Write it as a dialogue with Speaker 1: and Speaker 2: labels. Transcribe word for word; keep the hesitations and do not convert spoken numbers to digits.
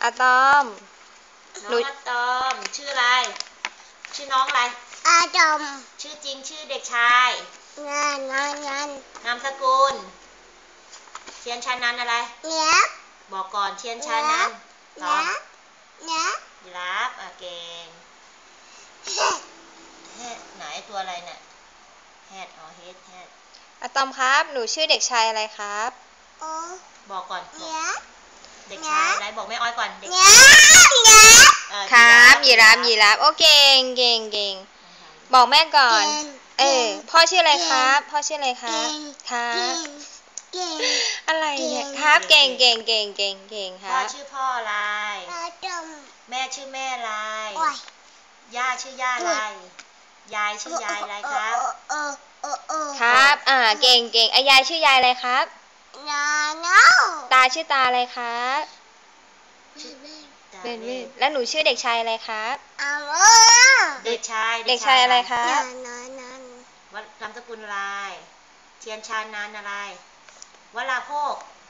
Speaker 1: อะตอม
Speaker 2: น้องอะตอมชื่ออะไรชื่อน้องอะไร
Speaker 3: อะตอม
Speaker 2: ชื่อจริงชื่อเด็กชาย
Speaker 3: งานงานงาน
Speaker 2: นามสกุลเทียนชานันอะไร
Speaker 3: เนี้ย
Speaker 2: บอกก่อนเทียนชานันตอบ
Speaker 3: เนี้ย
Speaker 2: ยีราฟอ่ะเก่งแฮดไหนตัวอะไรเนี่ยแฮดอ๋อเฮดแฮด
Speaker 1: อะตอมครับหนูชื่อเด็กชายอะไรครับ
Speaker 3: โอ้
Speaker 2: บอกก่อน
Speaker 3: เนี้ย
Speaker 2: เด็กชายอะไรบอกแม่อ้อยก่อนเด็ก
Speaker 3: เนี้ยเนี้ย
Speaker 1: ครับยีราฟยีราฟโอเคเก่งเก่งเก่งบอกแม่ก่อนเออพ่อชื่ออะไรครับพ่อชื่ออะไรครับครับ
Speaker 3: เก่ง
Speaker 1: อะไรเนี่ยครับเก่งเก่งเก่งเก่งเก่งค
Speaker 2: พ่อ
Speaker 1: รับ
Speaker 2: ชื่อพ่ออะไร
Speaker 3: อะตอม
Speaker 2: แม่ชื่อแม่อะไร
Speaker 3: โอ้ย
Speaker 2: ย่าชื่อย่าอะไรยายชื่อยายอะไรครับ
Speaker 3: เออเออเออ
Speaker 1: ครับอ่าเก่งเก่งอายายชื่อยายอะไรครับ
Speaker 3: นาเนา
Speaker 1: ตาชื่อตาอะไรครับเบนเวนแล้วหนูชื่อเด็กชายอะไรครับ
Speaker 3: อาเออ
Speaker 2: เด็กชาย
Speaker 1: เด็กชายอะไรครับ
Speaker 3: นานนาน
Speaker 2: วัดนามสกุลอะไรเทียนชานันอะไรวราโภค